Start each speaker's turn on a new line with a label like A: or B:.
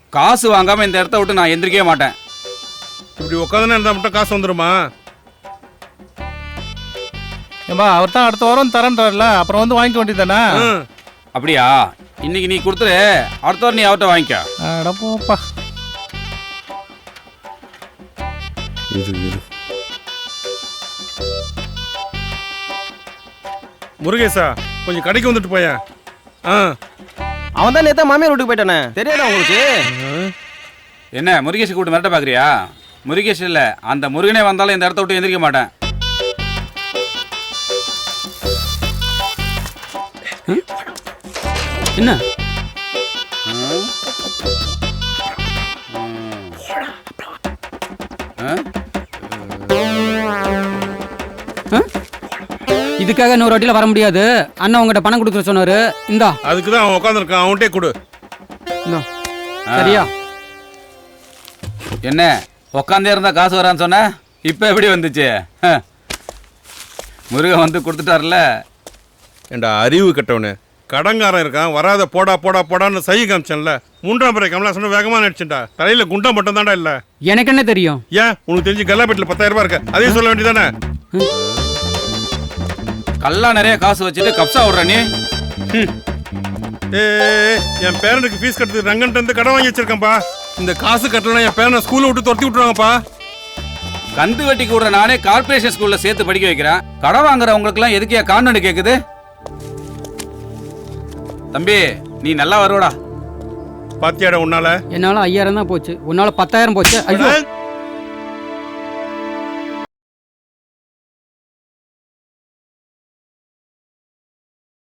A: காசு வாங்காம இந்த இடத்த விட்டு நான் எந்திரிக்கவே மாட்டேன்.
B: இப்படி உட்காந்துன்னு இருந்தா மட்டும் காசு வந்துருமா?
C: ஏம்பா அவர் தான் அடுத்த வாரம் தரேன்றாருல, அப்புறம் வந்து வாங்கிக்க வேண்டியதானே?
A: அப்படியா? இன்னைக்கு நீ கொடுத்துரு, அடுத்த வாரம் நீ அவர்கிட்ட வாங்கிக்க.
C: அட போப்பா.
B: முருகேசா, கொஞ்சம் கடைக்கு வந்துட்டு போய.
D: அவன் தான் நேத்தா மாமியார் வீட்டுக்கு போயிட்டானே, தெரியாதா உங்களுக்கு?
A: என்ன முருகேஷ் கூப்பிட்டு மிரட்ட பாக்குறியா? முருகேஷ் இல்ல, அந்த முருகனே வந்தாலும் இந்த இடத்த விட்டு எந்திரிக்க மாட்டேன்.
E: என்ன இதுக்காக இன்னொரு வாட்டில வர முடியாது. அண்ணன் உங்ககிட்ட பணம் கொடுக்க சொன்னாரு. இந்தா.
B: அதுக்குதான் அவன் உட்காந்துருக்கான், அவன்கிட்டே கொடு.
E: சரியா?
A: என்ன உக்காந்தே இருந்தா காசு வரான்னு சொன்ன, இப்ப எப்படி வந்துச்சு? முருகன் வந்து கொடுத்துட்டார்ல.
B: ஏண்டா அறிவு கட்டவனு, கடங்காரன் இருக்கான், வராத போடா போடா போடான்னு சை காமிச்சேன்ல. 3ஆம் பிறை கமலாசனம் வேகமா நடிச்சுட்டா. தலையில குண்டா மட்டும் தான்டா இல்ல.
E: எனக்கு என்ன தெரியும்?
B: ஏன் உனக்கு தெரிஞ்சு கல்லாப்பேட்டில் 10,000 ரூபாய் இருக்கு, அதையும் சொல்ல வேண்டியதானே?
A: கல்லா நிறைய காசு வச்சுட்டு கப்சா விடுற நீ.
B: என் பேரனுக்கு ஃபீஸ் கட்டுறது ரங்கன்ட்டு இருந்து கடன் வாங்கி வச்சிருக்கேன்ப்பா. இந்த காசு கட்டலாம் என் பேரனை ஸ்கூல்ல விட்டு துரத்தி விட்டுருவாங்கப்பா.
A: கந்து வெட்டி கூட நானே கார்பரேஷன் ஸ்கூல்ல சேர்த்து படிக்க வைக்கிறேன். கடன் வாங்குறவங்களுக்கு எல்லாம் எதுக்கே கான்வென்ட் கேக்குது? தம்பி நீ நல்லா வருவடா.
B: பாத்தியாடா உன்னால?
E: என்னால 5000 தான் போச்சு, உன்னால 10,000 போச்சு. ஐயோ